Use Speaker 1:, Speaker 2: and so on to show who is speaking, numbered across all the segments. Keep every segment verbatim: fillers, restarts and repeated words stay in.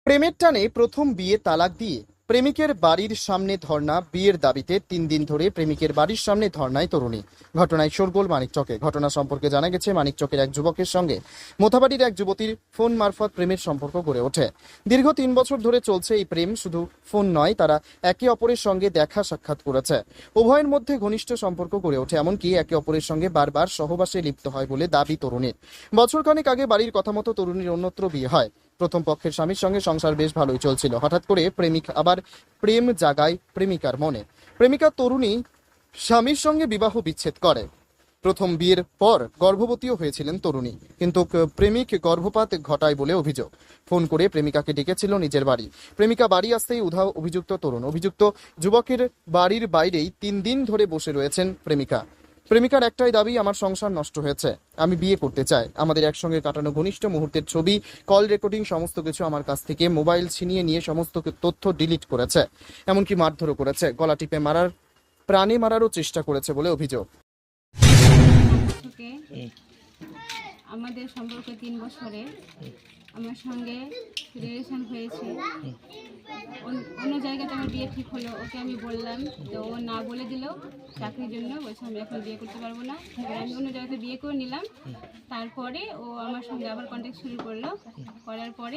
Speaker 1: প্রেমের টানে প্রথম বিয়ে তালাক দিয়ে প্রেমিকের বাড়ির সামনে ধর্ণা। বিয়ের দাবিতে তিন দিন ধরে প্রেমিকের বাড়ির সামনে ধর্ণায় তরুণী। ঘটনায় শোরগোল মানিকচকে। ঘটনা সম্পর্কে জানা গেছে, মানিকচকের এক যুবকের সঙ্গে মোথাবাড়ির এক যুবতীর ফোন মারফত প্রেমের সম্পর্ক গড়ে ওঠে। দীর্ঘ তিন বছর ধরে চলছে এই প্রেম। শুধু ফোন নয়, তারা একে অপরের সঙ্গে দেখা সাক্ষাৎ করেছে। উভয়ের মধ্যে ঘনিষ্ঠ সম্পর্ক গড়ে ওঠে, এমনকি একে অপরের সঙ্গে বারবার সহবাসে লিপ্ত হয় বলে দাবি তরুণীর। বছরখানেক আগে বাড়ির কথা মতো তরুণীর অন্যত্র বিয়ে হয়। প্রথম পক্ষের স্বামীর সঙ্গে সংসার বেশ ভালোই চলছিল। হঠাৎ করে প্রেমিক আবার প্রেম জাগায় প্রেমিকার মনে। প্রেমিকা তরুণী স্বামীর সঙ্গে বিবাহ বিচ্ছেদ করে। প্রথম বিয়ের পর গর্ভবতীও হয়েছিলেন তরুণী, কিন্তু প্রেমিক গর্ভপাত ঘটায় বলে অভিযোগ। ফোন করে প্রেমিকাকে ডেকেছিল নিজের বাড়ি। প্রেমিকা বাড়ি আসতেই উধাও অভিযুক্ত তরুণ। অভিযুক্ত যুবকের বাড়ির বাইরেই তিন দিন ধরে বসে রয়েছেন প্রেমিকা। প্রেমিকার একটাই দাবি, আমার সংসার নষ্ট হয়েছে, আমি বিয়ে করতে চাই। আমাদের একসঙ্গে কাটানো ঘনিষ্ঠ মুহূর্তের ছবি, কল রেকর্ডিং সমস্ত কিছু আমার কাছ থেকে মোবাইল ছিনিয়ে নিয়ে সমস্ত তথ্য ডিলিট করেছে, এমনকি মারধরও করেছে, গলা টিপে মারার, প্রাণে মারারও চেষ্টা করেছে বলে অভিযোগ।
Speaker 2: আমাদের সম্পর্ক তিন বছরে আমার সঙ্গে রিলেশন হয়েছে। অন্য জায়গাতে আমার বিয়ে ঠিক হলো, ওকে আমি বললাম, তো ও না বলে দিল চাকরির জন্য। বলছে আমি এখন বিয়ে করতে পারবো না। এবার আমি অন্য জায়গাতে বিয়ে করে নিলাম। তারপরে ও আমার সঙ্গে আবার কন্ট্যাক্ট শুরু করলো। করার পরে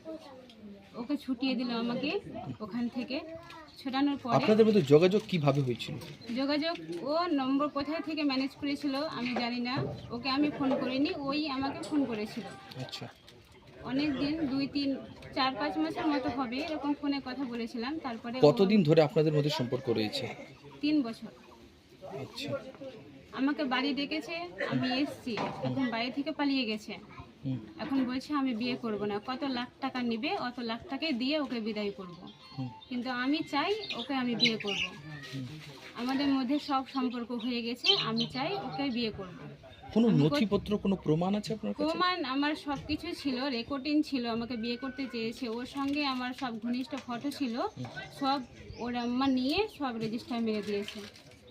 Speaker 2: ওকে ছুটিয়ে দিল আমাকে ওখান থেকে। ছোটানোর পরে
Speaker 3: আপনাদের মধ্যে যোগাযোগ কিভাবে হয়েছিল?
Speaker 2: যোগাযোগ ও নম্বর কোথায় থেকে ম্যানেজ করেছিল আমি জানি না। ওকে আমি ফোন করিনি, ওই আমাকে ফোন করেছিল।
Speaker 3: আচ্ছা,
Speaker 2: অনেক দিন, দুই তিন চার পাঁচ মাসের মতো হবে এরকম ফোনে কথা বলেছিলাম। তারপরে ও-
Speaker 3: কতদিন ধরে আপনাদের মধ্যে সম্পর্ক রয়েছে?
Speaker 2: তিন বছর।
Speaker 3: আচ্ছা,
Speaker 2: আমাকে বাড়ি ডেকেছে, আমি এসছি, এখন বাড়ি থেকে পালিয়ে গেছে।
Speaker 3: হুম,
Speaker 2: এখন বলছে আমি বিয়ে করব না, কত লাখ টাকা নিবে, অত লাখ টাকায় দিয়ে ওকে বিদায় করব।
Speaker 3: হুম,
Speaker 2: কিন্তু আমি চাই ওকে আমি বিয়ে করব।
Speaker 3: হুম।
Speaker 2: আমাদের মধ্যে সব সম্পর্ক হয়ে গেছে, আমি চাই ওকে বিয়ে করব।
Speaker 3: কোনো
Speaker 2: আমি কো-
Speaker 3: নথিপত্র, কোনো প্রমাণ আছে আপনার কাছে?
Speaker 2: প্রমাণ আমার সব কিছু ছিল, রেকর্ডিং ছিল, আমাকে বিয়ে করতে চেয়েছে। ওর সঙ্গে আমার সব ঘনিষ্ঠ ফটো ছিল, সব ওর আম্মা নিয়ে সব রেজিস্টার মেরে দিয়েছে।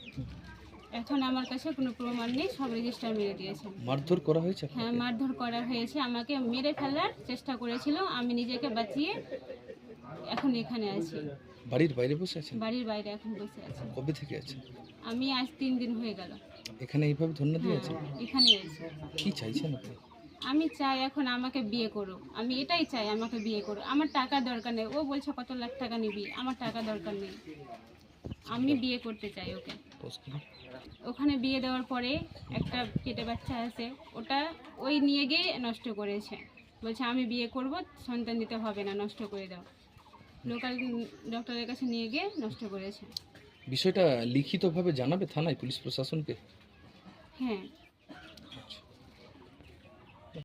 Speaker 2: এখন আমার কাছে কোনো প্রমাণ নেই, সব রেজিস্টার মেরে দিয়েছে।
Speaker 3: মারধর করা হয়েছে
Speaker 2: হ্যাঁ,
Speaker 3: আপনাকে?
Speaker 2: মারধর করা হয়েছে, আমাকে মেরে ফেলার চেষ্টা করেছিল। আমি নিজেকে বাঁচিয়ে এখন এখানে আছি,
Speaker 3: বাড়ির বাইরে বসে আছেন?
Speaker 2: বাড়ির বাইরে এখন বসে আছি।
Speaker 3: কবে থেকে আছেন
Speaker 2: আমি আজ তিন দিন হয়ে গেল
Speaker 3: এখানে? এইভাবে ধন্যবাদ দিয়ে আছেন?
Speaker 2: হ্যাঁ, এখানে আছি।
Speaker 3: কি চাইছেন আপনি?
Speaker 2: আমি চাই এখন আমাকে বিয়ে করো, আমি এটাই চাই, আমাকে বিয়ে করো। আমার টাকা দরকার নেই। ও বলছে কত লাখ টাকা নিবি, আমার টাকা দরকার নেই, আমি বিয়ে করতে চাই ওকে। ওখানে বিয়ে দেওয়ার পরে একটা পেটে বাচ্চা আছে, ওটা ওই নিয়ে গিয়ে নষ্ট করেছে। বলছে আমি বিয়ে করব, সন্তান দিতে হবে না, নষ্ট করে দাও। লোকাল ডক্টরের কাছে নিয়ে গিয়ে নষ্ট করেছে।
Speaker 3: বিষয়টা লিখিতভাবে জানাবে থানায়, পুলিশ প্রশাসনকে?
Speaker 2: হ্যাঁ,